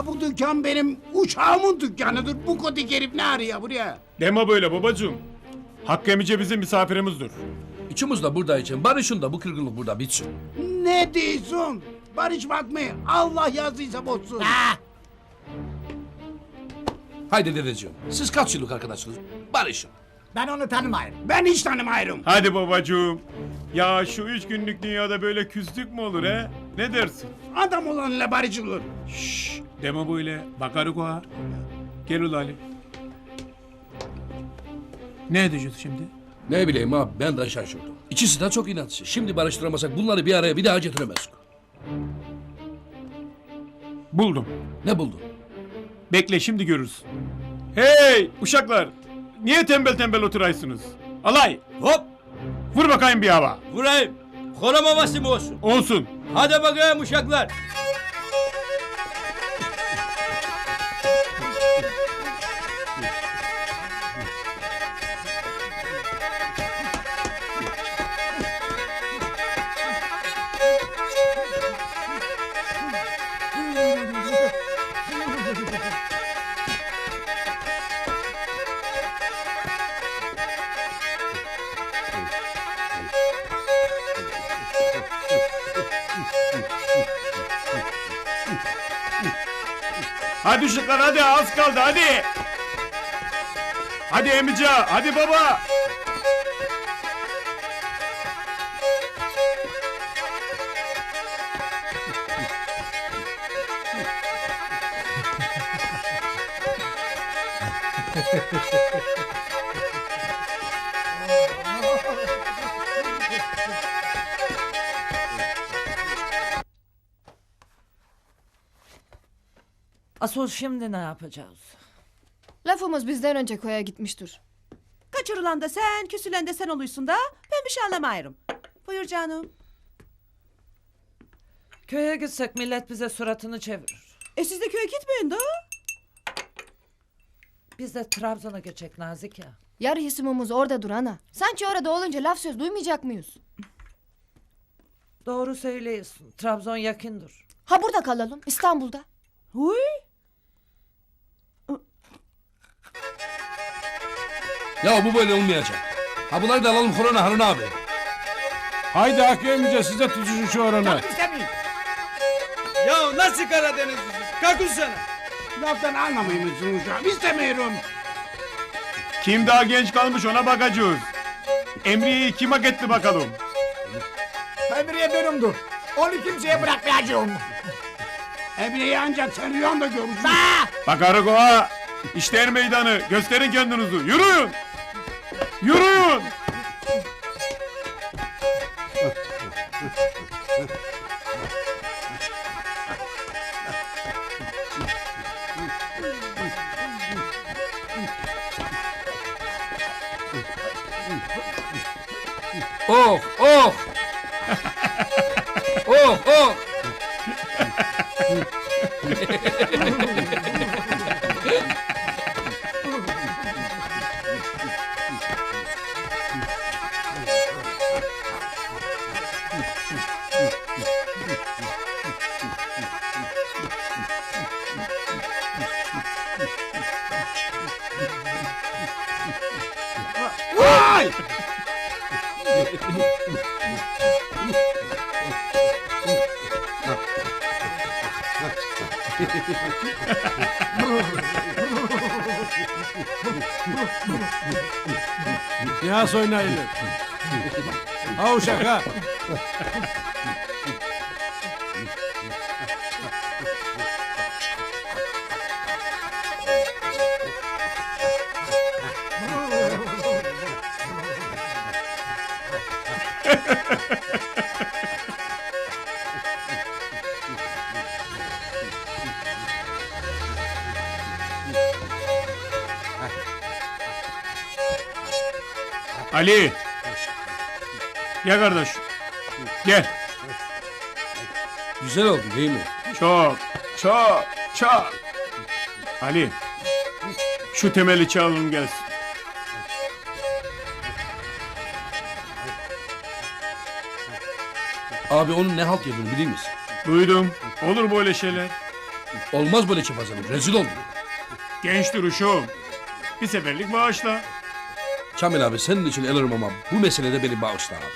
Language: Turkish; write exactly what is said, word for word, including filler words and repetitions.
Ha bu dükkan benim uçağımın dükkanıdır. Bu kodik herif ne arıyor buraya? Deme böyle babacığım. Hakkı emice bizim misafirimizdir. İçimiz de burada için. Barışın da bu kırgınlık burada bitsin. Ne diyorsun? Barışmak mı? Allah yazdıysa bozsun. Ha! Haydi dedeciğim. Siz kaç yıllık arkadaşsınız? Barışın. Ben onu tanımayırım. Ben hiç tanımayırım. Hadi babacığım. Ya şu üç günlük dünyada böyle küslük mü olur he? Ne dersin? Adam olanla barışılır. Şşş deme böyle. Bakarık o ha. Gel ul Ali. Ne edeceğiz şimdi? Ne bileyim abi ben de şaşırdım. İkisi de çok inatçı. Şimdi barıştıramasak bunları bir araya bir daha getiremez. Buldum. Ne buldun? Bekle şimdi görürsün. Hey uşaklar. Niye tembel tembel oturaysınız? Alay. Hop! Vur bakayım bir hava. Vurayım. Koram havası mı olsun? Olsun. Hadi bakayım uşaklar. Hadi uşaklar hadi az kaldı hadi. Hadi emice hadi baba. Asıl şimdi ne yapacağız? Lafımız bizden önce koya gitmiştir. Kaçırılan da sen, küsülen de sen oluysun da ben bir şey anlamayırım. Buyur canım. Köye gitsek millet bize suratını çevirir. E siz de köye gitmeyin de. Biz de Trabzon'a geçecek Nazik ya. Yarı hisimimiz orada dur ana. Sanki orada olunca laf söz duymayacak mıyız? Doğru söylüyorsun. Trabzon yakındır. Ha burada kalalım İstanbul'da. Huy. Ya bu böyle olmayacak. Ha bunları da alalım korona Harun abi. Haydi Hakkı emice size tutuşun şu oranı. Ya nasıl Karadenizlisiniz? Kalkın sana. Laftan anlamıyor musun uşağım? İstemiyorum. Kim daha genç kalmış ona bakacağız. Emriye'yi kim hak etti bakalım. Emriye benimdir. Onu kimseye bırakmayacağım. Emriye'yi ancak sen rüyanda görürsün. Bakarık o ha. İşte er meydanı. Gösterin kendinizi. Yürüyün. Yürüyün. Oh oh. Oh oh. Vay! Yas oynayın. Ha uşak ha. Ali. Gel kardeş. Gel. Güzel oldu değil mi? Çok, çok, çok. Ali. Şu temeli çalın gelsin. Abi onun ne halt yediğini biliyor musun? Duydum. Olur böyle şeyler. Olmaz böyle çapazanım. Rezil oldum. Genç duruşum. Bir seferlik bağışla. Kamil abi senin için elirim ama bu meselede beni bağışla abi.